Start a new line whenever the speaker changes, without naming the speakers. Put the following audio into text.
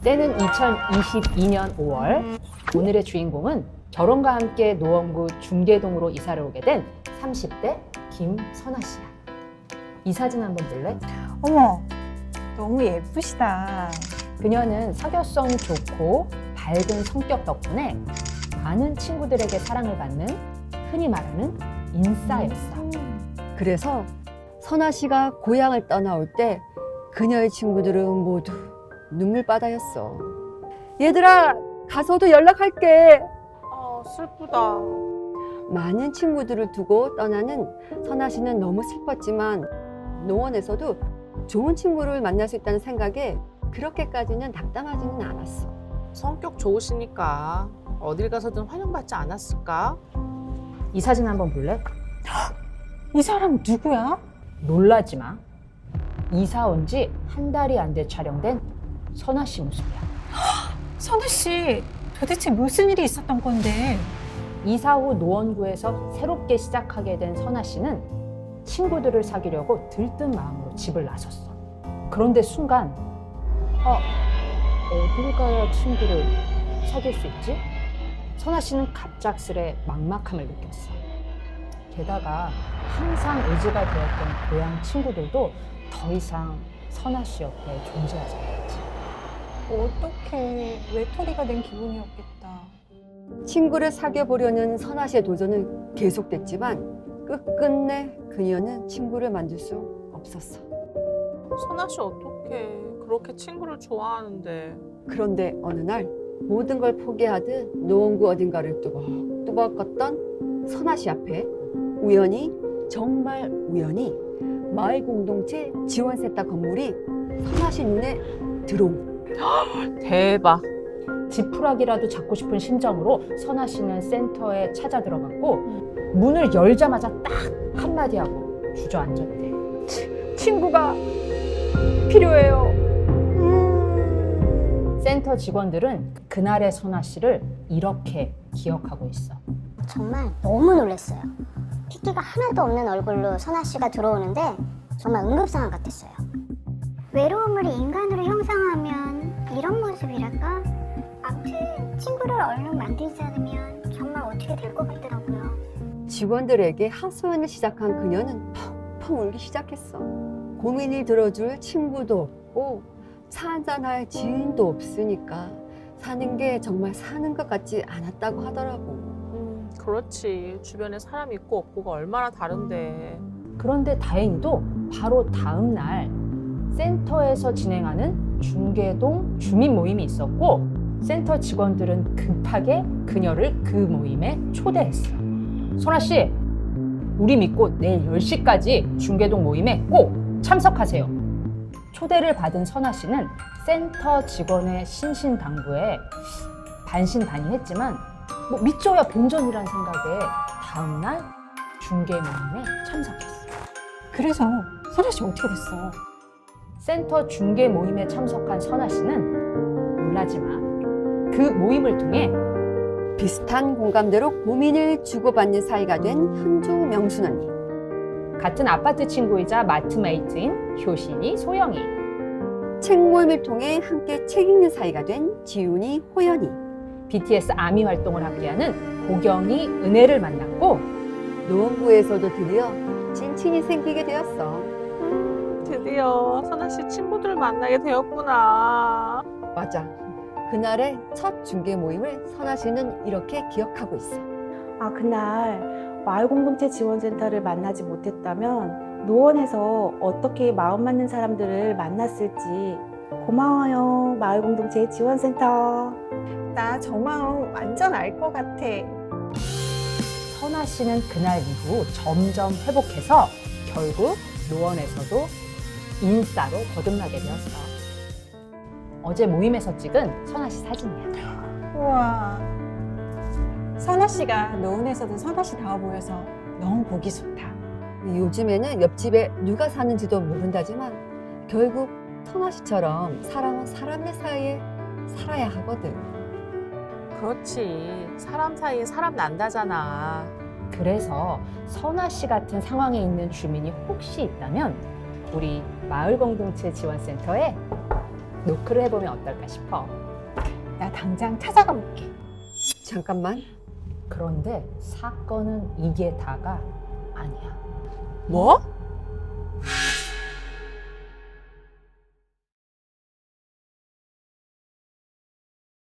때는 2022년 5월. 오늘의 주인공은 결혼과 함께 노원구 중계동으로 이사를 오게 된 30대 김선아 씨야. 이 사진 한번 볼래?
어머, 너무 예쁘시다.
그녀는 사교성 좋고 밝은 성격 덕분에 많은 친구들에게 사랑을 받는 흔히 말하는 인싸였어.
그래서 선아 씨가 고향을 떠나올 때 그녀의 친구들은 모두 눈물바다였어. 얘들아, 가서도 연락할게.
아, 슬프다.
많은 친구들을 두고 떠나는 선아 씨는 너무 슬펐지만 노원에서도 좋은 친구를 만날 수 있다는 생각에 그렇게까지는 낙담하지는 않았어.
성격 좋으시니까 어딜 가서든 환영받지 않았을까?
이 사진 한번 볼래?
이 사람 누구야?
놀라지 마. 이사 온 지 한 달이 안 돼 촬영된 선아 씨 모습이야.
선우 씨, 도대체 무슨 일이 있었던 건데?
이사 후 노원구에서 새롭게 시작하게 된 선아 씨는 친구들을 사귀려고 들뜬 마음으로 집을 나섰어. 그런데 순간 어딜 가야 친구를 사귈 수 있지? 선아 씨는 갑작스레 막막함을 느꼈어. 게다가 항상 의지가 되었던 고향 친구들도 더 이상 선아 씨 옆에 존재하지 않았지.
어떡해, 외톨이가 된 기분이었겠다.
친구를 사귀어 보려는 선아 씨의 도전은 계속됐지만 끝끝내 그녀는 친구를 만들 수 없었어.
선아 씨 어떡해. 그렇게 친구를 좋아하는데.
그런데 어느 날 모든 걸 포기하듯 노원구 어딘가를 뚜벅뚜벅 걷던 선아 씨 앞에 우연히, 정말 우연히 마을 공동체 지원센터 건물이 선아 씨 눈에 들어온 거야.
대박.
지푸라기라도 잡고 싶은 심정으로 선아 씨는 센터에 찾아 들어갔고 문을 열자마자 딱 한마디 하고 주저앉았대. 친구가 필요해요. 센터 직원들은 그날의 선아 씨를 이렇게 기억하고 있어.
정말 너무 놀랐어요. 핏기가 하나도 없는 얼굴로 선아 씨가 들어오는데 정말 응급상황 같았어요. 외로움을 인간으로 형상하면 이런 모습이랄까? 아무튼 친구를 얼른 만들지 않으면 정말 어떻게 될 것 같더라고요.
직원들에게 하소연을 시작한 그녀는 펑펑 울기 시작했어. 고민을 들어줄 친구도 없고 차 한잔할 지인도 없으니까 사는 게 정말 사는 것 같지 않았다고 하더라고.
그렇지. 주변에 사람 있고 없고가 얼마나 다른데.
그런데 다행히도 바로 다음 날 센터에서 진행하는 중계동 주민 모임이 있었고 센터 직원들은 급하게 그녀를 그 모임에 초대했어. 선아 씨, 우리 믿고 내일 10시까지 중계동 모임에 꼭 참석하세요. 초대를 받은 선아 씨는 센터 직원의 신신당부에 반신반의했지만 믿져야 본전이란 생각에 다음날 중계 모임에 참석했어.
그래서 선우 씨 어떻게 됐어?
센터 중계 모임에 참석한 선아 씨는 놀라지 마. 그 모임을 통해
비슷한 공감대로 고민을 주고받는 사이가 된 현주 명순 언니.
같은 아파트 친구이자 마트메이트인 효신이, 소영이,
책 모임을 통해 함께 책 읽는 사이가 된 지훈이, 호연이.
BTS 아미 활동을 함께하는 고경이, 은혜를 만났고
노원구에서도 드디어 찐친이 생기게 되었어.
드디어 선아 씨 친구들을 만나게 되었구나.
맞아. 그날의 첫 중계 모임을 선아 씨는 이렇게 기억하고 있어.
아, 그날 마을공동체 지원센터를 만나지 못했다면 노원에서 어떻게 마음 맞는 사람들을 만났을지. 고마워요, 마을공동체 지원센터.
나 저 마음 완전 알 것 같아.
선아 씨는 그날 이후 점점 회복해서 결국 노원에서도 인싸로 거듭나게 되었어. 어제 모임에서 찍은 선아 씨 사진이야.
우와. 선아 씨가 노원에서도 선아 씨다워 보여서 너무 보기 좋다.
요즘에는 옆집에 누가 사는지도 모른다지만 결국 선아 씨처럼 사람은 사람의 사이에 살아야 하거든.
그렇지. 사람 사이에 사람 난다잖아.
그래서 선아 씨 같은 상황에 있는 주민이 혹시 있다면 우리 마을공동체 지원센터에 노크를 해보면 어떨까 싶어.
나 당장 찾아가 볼게.
잠깐만.
그런데 사건은 이게 다가 아니야.
뭐?